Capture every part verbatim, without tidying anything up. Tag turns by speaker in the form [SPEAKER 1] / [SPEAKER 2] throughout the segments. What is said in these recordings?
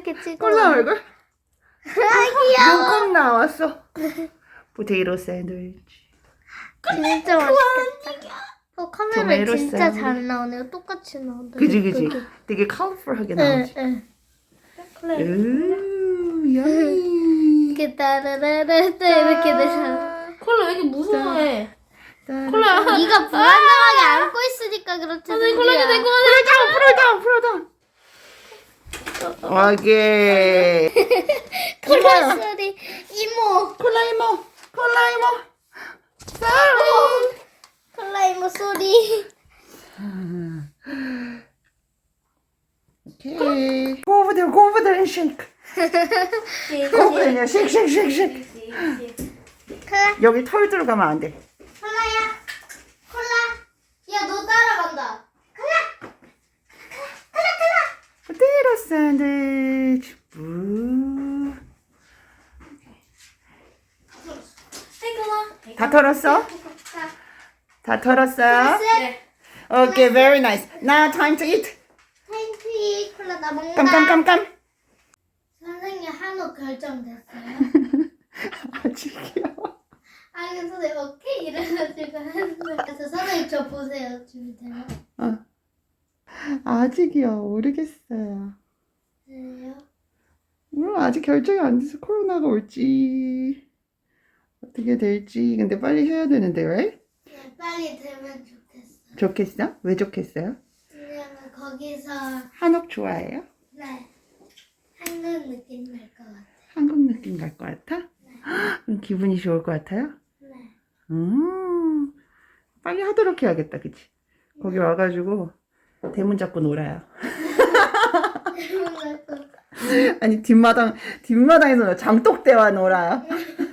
[SPEAKER 1] 이렇게 찍어.
[SPEAKER 2] 콜라 얼굴?
[SPEAKER 1] 아 귀여워.
[SPEAKER 2] 눈곱 나왔어. 포테이토 샌드위치.
[SPEAKER 1] 진짜 맛있겠다. 어 카메라
[SPEAKER 2] 토마토
[SPEAKER 1] 진짜
[SPEAKER 2] 샌드위치.
[SPEAKER 1] 잘 나오네요. 똑같이 나온다.
[SPEAKER 2] 그지 그지.
[SPEAKER 1] 예쁘게.
[SPEAKER 2] 되게 컬러풀하게
[SPEAKER 1] 네,
[SPEAKER 2] 나오지.
[SPEAKER 1] 네.
[SPEAKER 2] 우 야미.
[SPEAKER 1] 이렇게 따라라라 이렇게 되잖아.
[SPEAKER 3] 콜라 왜 이렇게 무서워해?
[SPEAKER 2] 콜라.
[SPEAKER 1] 네가 불안정하게 안고 있으니까 그렇지.
[SPEAKER 3] 선생님 콜라 이제 내거
[SPEAKER 2] 풀어줘 풀어줘 풀어줘. 오케이.
[SPEAKER 1] 콜라 소리 이모.
[SPEAKER 2] 콜라 이모. 콜라 이모.
[SPEAKER 1] 콜라 이모 소리.
[SPEAKER 2] 오케이. Go over there, go over there and shake. Go over there, shake, shake, shake, shake.
[SPEAKER 1] 콜라.
[SPEAKER 2] 여기 털 들어가면 안 돼.
[SPEAKER 1] 콜라야. 콜라. 야 너 따라간다. 콜라. 콜라 콜라.
[SPEAKER 2] 포테이토 샌드위치. 부.
[SPEAKER 3] 콜라.
[SPEAKER 2] 다 털었어? 다 털었어요?
[SPEAKER 3] 네.
[SPEAKER 2] Okay, very nice. Now time to eat.
[SPEAKER 1] 텐티 콜라 나 먹는다.
[SPEAKER 2] 깜깜깜깜.
[SPEAKER 1] 선생님 한우 결정됐어요?
[SPEAKER 2] 아직이요.
[SPEAKER 1] 아니 선생님 오케이 이래가지고 했는데 선생님 저 보세요 준비돼요?
[SPEAKER 2] 어. 아직이요. 모르겠어요.
[SPEAKER 1] 그래요?
[SPEAKER 2] 음, 아직 결정이 안 돼서 코로나가 올지 어떻게 될지. 근데 빨리 해야 되는데 왜?
[SPEAKER 1] 네, 빨리 되면 좋겠어요.
[SPEAKER 2] 좋겠어? 왜 좋겠어요?
[SPEAKER 1] 왜냐면 거기서
[SPEAKER 2] 한옥 좋아해요?
[SPEAKER 1] 네 한국 느낌 날 것 같아요.
[SPEAKER 2] 한국 느낌 날 것 같아? 그럼 기분이 좋을 것 같아요?
[SPEAKER 1] 네.
[SPEAKER 2] 음, 빨리 하도록 해야겠다, 그치? 거기 와가지고 대문 잡고 놀아요.
[SPEAKER 1] 날 것 같아요.
[SPEAKER 2] 아니 뒷마당 뒷마당에서 놀아. 장독대와 놀아요.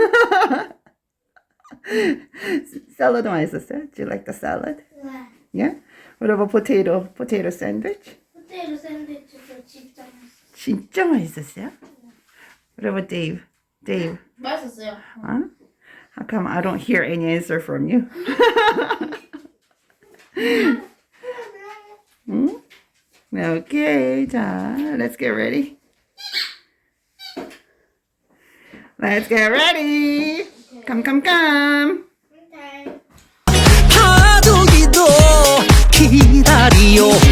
[SPEAKER 2] 샐러드 맛있었어요? Do you like the salad?
[SPEAKER 1] 네.
[SPEAKER 2] Yeah? What about potato? Potato sandwich?
[SPEAKER 1] 포테이토 샌드위치도 진짜 맛있어요.
[SPEAKER 2] 진짜 맛있었어요? What about Dave? Dave?
[SPEAKER 3] 맛있었어요.
[SPEAKER 2] Huh? How come I don't hear any answer from you? 응? Okay, 자, let's get ready. Let's get ready. Come, come, come.
[SPEAKER 1] 네.
[SPEAKER 4] 파도기도 기다리요